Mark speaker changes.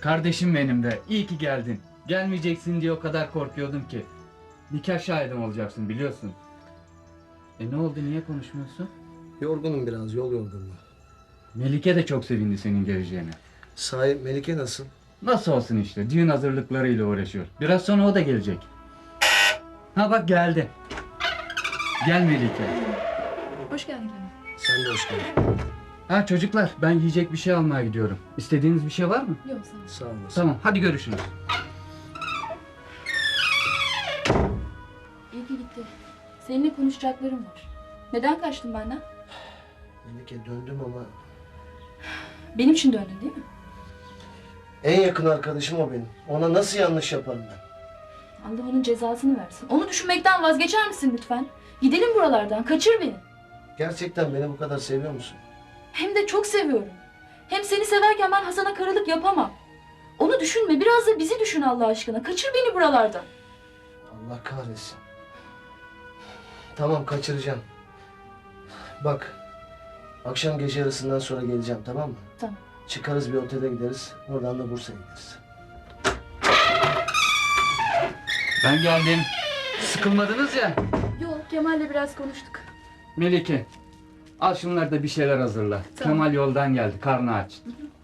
Speaker 1: Kardeşim benim de. İyi ki geldin. Gelmeyeceksin diye o kadar korkuyordum ki. Nikah şahidim olacaksın biliyorsun. Ne oldu, niye konuşmuyorsun?
Speaker 2: Yorgunum biraz, yol yorgunluğu.
Speaker 1: Melike de çok sevindi senin geleceğine.
Speaker 2: Sahi Melike nasıl?
Speaker 1: Nasıl olsun işte, düğün hazırlıklarıyla uğraşıyor. Biraz sonra o da gelecek. Ha bak geldi. Gel Melike.
Speaker 3: Hoş geldin Kemal.
Speaker 2: Sen de hoş geldin.
Speaker 1: Ha çocuklar, ben yiyecek bir şey almaya gidiyorum. İstediğiniz bir şey var mı?
Speaker 3: Yok sağ ol.
Speaker 2: Sağ olasın.
Speaker 1: Tamam, hadi görüşürüz.
Speaker 3: İyi ki gitti. Seninle konuşacaklarım var. Neden kaçtın benden?
Speaker 2: Melike döndüm ama
Speaker 3: Benim için döndün değil mi?
Speaker 2: en yakın arkadaşım o benim. Ona nasıl yanlış yaparım ben?
Speaker 3: Allah onun cezasını versin. Onu düşünmekten vazgeçer misin lütfen? Gidelim buralardan. Kaçır beni.
Speaker 2: Gerçekten beni bu kadar seviyor musun?
Speaker 3: Hem de çok seviyorum. Hem seni severken ben Hasan'a karılık yapamam. Onu düşünme. Biraz da bizi düşün Allah aşkına. Kaçır beni buralardan.
Speaker 2: Allah kahretsin. Tamam kaçıracağım. Bak, akşam gece yarısından sonra geleceğim, tamam mı?
Speaker 3: Tamam.
Speaker 2: Çıkarız bir otele gideriz. Oradan da Bursa'ya gideriz.
Speaker 1: Ben geldim. Sıkılmadınız ya.
Speaker 3: Yok Kemal'le biraz konuştuk.
Speaker 1: Melike, al şunları da bir şeyler hazırla.
Speaker 3: Tamam.
Speaker 1: Kemal yoldan geldi, karnı aç.